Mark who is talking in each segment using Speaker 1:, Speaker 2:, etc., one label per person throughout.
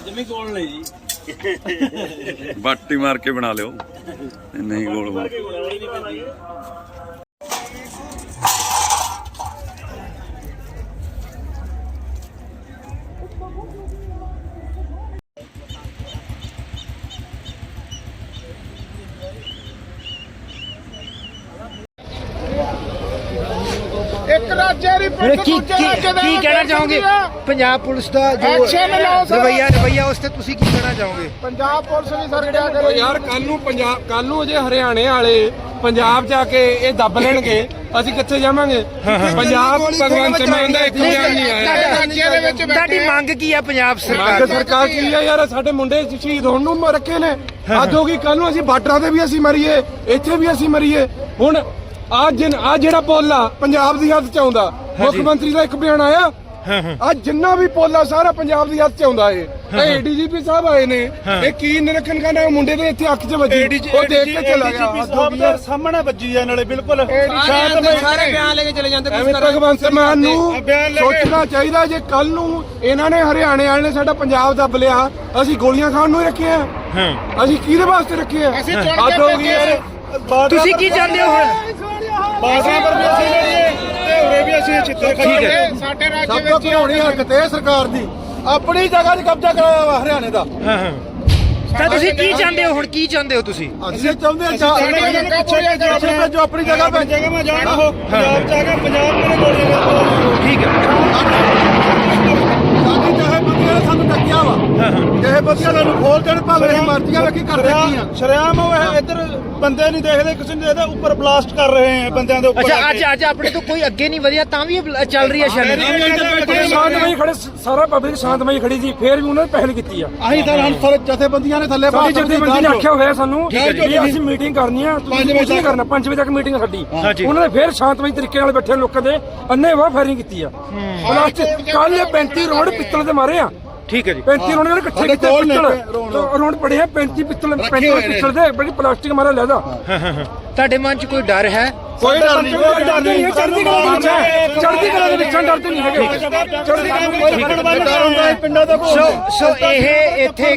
Speaker 1: ਜਿਵੇਂ ਗੋਲ ਲਈ ਜੀ
Speaker 2: ਬਾਟੀ ਮਾਰ ਕੇ ਬਣਾ ਲਿਓ ਨਹੀਂ ਗੋਲ ਮਾਰ
Speaker 3: ਇੱਕ ਰਾਜੇ ਦੀ
Speaker 4: ਕੀ ਕਹਿਣਾ ਚਾਹੋਗੇ ਪੰਜਾਬ ਪੁਲਿਸ ਦਾ ਜੋ ਰਵਈਆ ਉਸ ਤੇ ਤੁਸੀਂ ਕੀ ਕਹਿਣਾ ਚਾਹੋਗੇ?
Speaker 3: ਪੰਜਾਬ ਪੁਲਿਸ ਵੀ ਸਰ ਕਿਆ ਕਰੇ
Speaker 5: ਯਾਰ ਕੱਲ ਨੂੰ ਜੇ ਹਰਿਆਣੇ ਵਾਲੇ ਪੰਜਾਬ ਜਾ ਕੇ ਇਹ ਦੱਬ ਲੈਣਗੇ ਅਸੀਂ ਕਿੱਥੇ ਜਾਵਾਂਗੇ? ਪੰਜਾਬ ਭਗਵੰਤ ਮਾਨ ਦਾ ਇੱਕ ਬਿਆਨ ਨਹੀਂ ਆਇਆ।
Speaker 3: ਰਾਜੇ ਦੇ ਵਿੱਚ
Speaker 4: ਤੁਹਾਡੀ ਮੰਗ ਕੀ ਆ ਪੰਜਾਬ ਸਰਕਾਰ
Speaker 5: ਮੰਗ ਸਰਕਾਰ ਕੀ ਆ ਯਾਰ? ਸਾਡੇ ਮੁੰਡੇ ਸ਼ਹੀਦ ਹੋਣ ਨੂੰ ਰੱਖੇ ਨੇ, ਹੱਦ ਹੋ ਗਈ। ਕੱਲ ਨੂੰ ਅਸੀਂ ਬਾਰਡਰਾਂ ਤੇ ਵੀ ਅਸੀਂ ਮਰੀਏ, ਇੱਥੇ ਵੀ ਅਸੀਂ ਮਰੀਏ। ਹੁਣ ਆ ਜਿਹੜਾ ਪੁੱਲ ਆ ਪੰਜਾਬ ਦੀ ਹੱਦ ਚ ਆਉਂਦਾ, ਮੁੱਖ ਮੰਤਰੀ ਦਾ ਇੱਕ ਬਿਆਨ ਆਇਆ। ਅੱਜ ਜਿੰਨਾ ਵੀ ਪੁੱਲ ਆ ਸਾਰਾ ਪੰਜਾਬ ਦੀ ਹੱਦ ਚ ਆਉਂਦਾ ਏ। ਏਡੀਜੀਪੀ ਸਾਹਿਬ ਆਏ ਨੇ, ਇਹ ਕੀ ਨਿਰਖਣ ਕਰਨਾ? ਮੁੰਡੇ ਦੇ ਇੱਥੇ ਅੱਖ ਚ ਵੱਜੀ, ਉਹ ਦੇਖ ਕੇ ਚਲਾ ਗਿਆ।
Speaker 1: ਸਾਹਮਣੇ ਵੱਜੀ ਆ ਨਾਲੇ ਬਿਲਕੁਲ
Speaker 5: ਸਾਰੇ ਬਿਆਨ ਲੈ ਕੇ ਚਲੇ ਜਾਂਦੇ। ਭਗਵੰਤ ਮਾਨ ਨੂੰ ਸੋਚਣਾ ਚਾਹੀਦਾ, ਜੇ ਕੱਲ ਨੂੰ ਇਹਨਾਂ ਨੇ ਹਰਿਆਣੇ ਵਾਲੇ ਨੇ ਸਾਡਾ ਪੰਜਾਬ ਦੱਬ ਲਿਆ, ਅਸੀਂ ਗੋਲੀਆਂ ਖਾਣ ਨੂੰ ਹੀ ਰੱਖੇ ਆ? ਅਸੀਂ ਕਿਹਦੇ ਵਾਸਤੇ ਰੱਖੇ ਆ? ਹੱਦ ਹੋ ਗਈ ਯਾਰ।
Speaker 4: ਤੁਸੀਂ ਕੀ ਚਾਹੁੰਦੇ ਹੋ ਹੁਣ?
Speaker 1: ਬਾਜ਼ਾਂ ਪਰ ਵੀ ਅਸੀਂ ਲੜੀਏ ਤੇ ਉਰੇ ਵੀ ਅਸੀਂ ਚਿੱਤਰ ਖਾਈਏ।
Speaker 3: ਸਾਡੇ ਰਾਜ
Speaker 5: ਸਭ ਤੋਂ ਘਿਰਾਉਣੀ ਹਰਕਤ ਹੈ ਸਰਕਾਰ ਦੀ, ਆਪਣੀ ਜਗ੍ਹਾ 'ਤੇ ਕਬਜ਼ਾ ਕਰਾਇਆ ਵਾ ਹਰਿਆਣੇ ਦਾ।
Speaker 4: ਤਾਂ ਤੁਸੀਂ ਕੀ ਚਾਹੁੰਦੇ ਹੋ ਹੁਣ? ਕੀ ਚਾਹੁੰਦੇ ਹੋ ਤੁਸੀਂ?
Speaker 5: ਅਸੀਂ ਚਾਹੁੰਦੇ ਹਾਂ ਜੋ ਆਪਣੀ ਜਗ੍ਹਾ ਪੈ
Speaker 1: ਜਗ੍ਹਾ ਮੈਂ ਜਾਣਾ ਹੋ ਪੰਜਾਬ ਜਾ ਕੇ ਪੰਜਾਬ ਮੇਰੇ ਗੋਲੀਆਂ
Speaker 4: ਠੀਕ ਹੈ।
Speaker 5: ਸਾਡੀ ਚਾਹੇ ਬੰਦਿਆਂ ਨੇ ਸਾਨੂੰ ਟੱਕਿਆ ਵਾ, ਚਾਹੇ ਬੰਦਿਆਂ ਨੂੰ ਖੋਲ ਦੇਣ, ਭਾਵੇਂ ਅਸੀਂ ਮਰਜ਼ੀਆਂ ਵੇਖੀ ਕਰ ਦਿੱਤੀਆਂ।
Speaker 1: ਸ਼ਰਿਆਮ ਉਹ ਇੱਧਰ ਬੰਦੇ ਨਹੀਂ ਦੇਖਦੇ, ਕਿਸੇ ਨੂੰ ਦੇਖਦੇ, ਉੱਪਰ ਬਲਾਸਟ ਕਰ ਰਹੇ ਆ ਬੰਦਿਆਂ ਦੇ ਉੱਪਰ।
Speaker 4: ਅੱਛਾ ਅੱਜ ਆਪਣੇ ਤੋਂ ਕੋਈ ਅੱਗੇ ਨਹੀਂ ਵਧਿਆ ਤਾਂ ਵੀ ਚੱਲ ਰਹੀ ਹੈ
Speaker 5: ਸ਼ਾਂਤਮਈ ਖੜੇ, ਸਾਰਾ ਪਬਲਿਕ ਸ਼ਾਂਤਮਈ ਖੜੀ ਸੀ, ਫੇਰ ਵੀ ਉਹਨਾਂ ਨੇ ਪਹਿਲ ਕੀਤੀ ਆ।
Speaker 1: ਅਸੀਂ ਤਾਂ ਹੁਣ
Speaker 5: ਜਥੇਬੰਦੀਆਂ ਨੇ ਥੱਲੇ ਸਾਡੀ ਜਥੇਬੰਦੀ ਨੇ ਆਖਿਆ ਹੋਇਆ ਸਾਨੂੰ ਵੀ ਅਸੀਂ ਮੀਟਿੰਗ ਕਰਨੀ ਆ, ਤੁਸੀਂ ਕੁਝ ਨਹੀਂ ਕਰਨਾ। 5 ਵਜੇ ਤੱਕ ਮੀਟਿੰਗ ਆ ਸਾਡੀ। ਉਹਨਾਂ ਨੇ ਫੇਰ ਸ਼ਾਂਤਮਈ ਤਰੀਕੇ ਨਾਲ ਬੈਠੇ ਲੋਕਾਂ ਦੇ ਅੰਨ੍ਹੇਵਾਹ ਫਾਇਰਿੰਗ ਕੀਤੀ ਆ। ਕੱਲ 35 ਰੋਡ ਪਿੱਤਲ ਦੇ ਮਾਰੇ ਆ।
Speaker 4: ਠੀਕ ਹੈ ਜੀ।
Speaker 5: 35 ਰੋਡ ਨੇ ਇਕੱਠੇ ਕੀਤੇ ਪਿੱਤਲ ਰੋਡ ਪੜੇ ਆ। 35 ਪਿੱਤਲ ਦੇ ਬੜੀ ਪਲਾਸਟਿਕ ਮਾਰਿਆ ਲੈਦਾ।
Speaker 4: ਤੁਹਾਡੇ ਮਨ 'ਚ ਕੋਈ ਡਰ ਹੈ?
Speaker 5: ਕੋਈ ਡਰ ਨਹੀਂ, ਕੋਈ ਡਰ ਨਹੀਂ। ਚੜ੍ਹਦੀ ਕਲਾ ਵਿੱਚ ਹੈ, ਚੜ੍ਹਦੀ ਕਲਾ ਦੇ ਵਿੱਚੋਂ ਡਰਦੇ ਨਹੀਂ ਹੈਗੇ। ਚੜ੍ਹਦੀ ਕਲਾ ਵਿੱਚ ਪਿੰਡਾਂ ਦਾ
Speaker 4: ਸੋ ਇਹ ਇੱਥੇ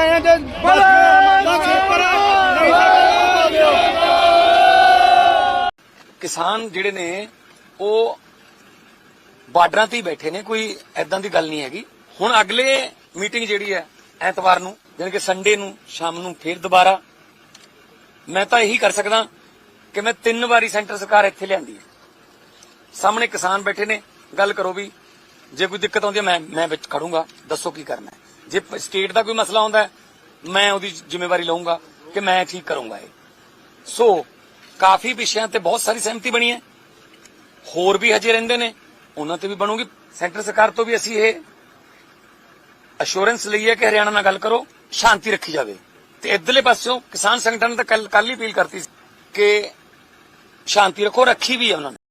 Speaker 6: ਕਿਸਾਨ ਜਿਹੜੇ ਨੇ ਉਹ ਬਾਰਡਰਾਂ ਤੇ ਹੀ ਬੈਠੇ ਨੇ, ਕੋਈ ਐਦਾਂ ਦੀ ਗੱਲ ਨਹੀਂ ਹੈਗੀ। ਹੁਣ ਅਗਲੇ ਮੀਟਿੰਗ ਜਿਹੜੀ ਹੈ ਐਤਵਾਰ ਨੂੰ, ਯਾਨੀ ਕਿ ਸੰਡੇ ਨੂੰ ਸ਼ਾਮ ਨੂੰ ਫੇਰ ਦੁਬਾਰਾ। ਮੈਂ ਤਾਂ ਇਹੀ ਕਰ ਸਕਦਾ ਕਿ ਮੈਂ 3 ਵਾਰੀ ਸੈਂਟਰ ਸਰਕਾਰ ਇੱਥੇ ਲਿਆਂਦੀ ਹੈ, ਸਾਹਮਣੇ ਕਿਸਾਨ ਬੈਠੇ ਨੇ, ਗੱਲ ਕਰੋ ਵੀ ਜੇ ਕੋਈ ਦਿੱਕਤ ਆਉਂਦੀ ਹੈ ਮੈਂ ਵਿੱਚ ਖੜੂੰਗਾ, ਦੱਸੋ ਕੀ ਕਰਨਾ ਹੈ। ਜੇ ਸਟੇਟ ਦਾ ਕੋਈ ਮਸਲਾ ਆਉਂਦਾ ਹੈ ਮੈਂ ਉਹਦੀ ਜ਼ਿੰਮੇਵਾਰੀ ਲਵਾਂਗਾ ਕਿ ਮੈਂ ਠੀਕ ਕਰੂੰਗਾ ਇਹ। ਸੋ ਕਾਫੀ ਵਿਸ਼ਿਆਂ ਤੇ ਬਹੁਤ ਸਾਰੀ ਸਹਿਮਤੀ ਬਣੀ ਹੈ, ਹੋਰ ਵੀ ਹਜੇ ਰਹਿੰਦੇ ਨੇ, ਉਹਨਾਂ ਤੇ ਵੀ ਬਣੂਗੀ। ਸੈਂਟਰ ਸਰਕਾਰ ਤੋਂ ਵੀ ਅਸੀਂ ਇਹ ਅਸ਼ੋਰੈਂਸ ਲਈ ਹੈ ਕਿ ਹਰਿਆਣਾ ਨਾਲ ਗੱਲ ਕਰੋ, ਸ਼ਾਂਤੀ ਰੱਖੀ ਜਾਵੇ। ਤੇ ਇਧਰਲੇ ਪਾਸਿਓਂ ਕਿਸਾਨ ਸੰਗਠਨ ਨੇ ਤਾਂ ਕੱਲ ਹੀ ਅਪੀਲ ਕਰਤੀ ਕਿ ਸ਼ਾਂਤੀ ਰੱਖੋ, ਰੱਖੀ ਵੀ ਹੈ ਉਹਨਾਂ ਨੇ।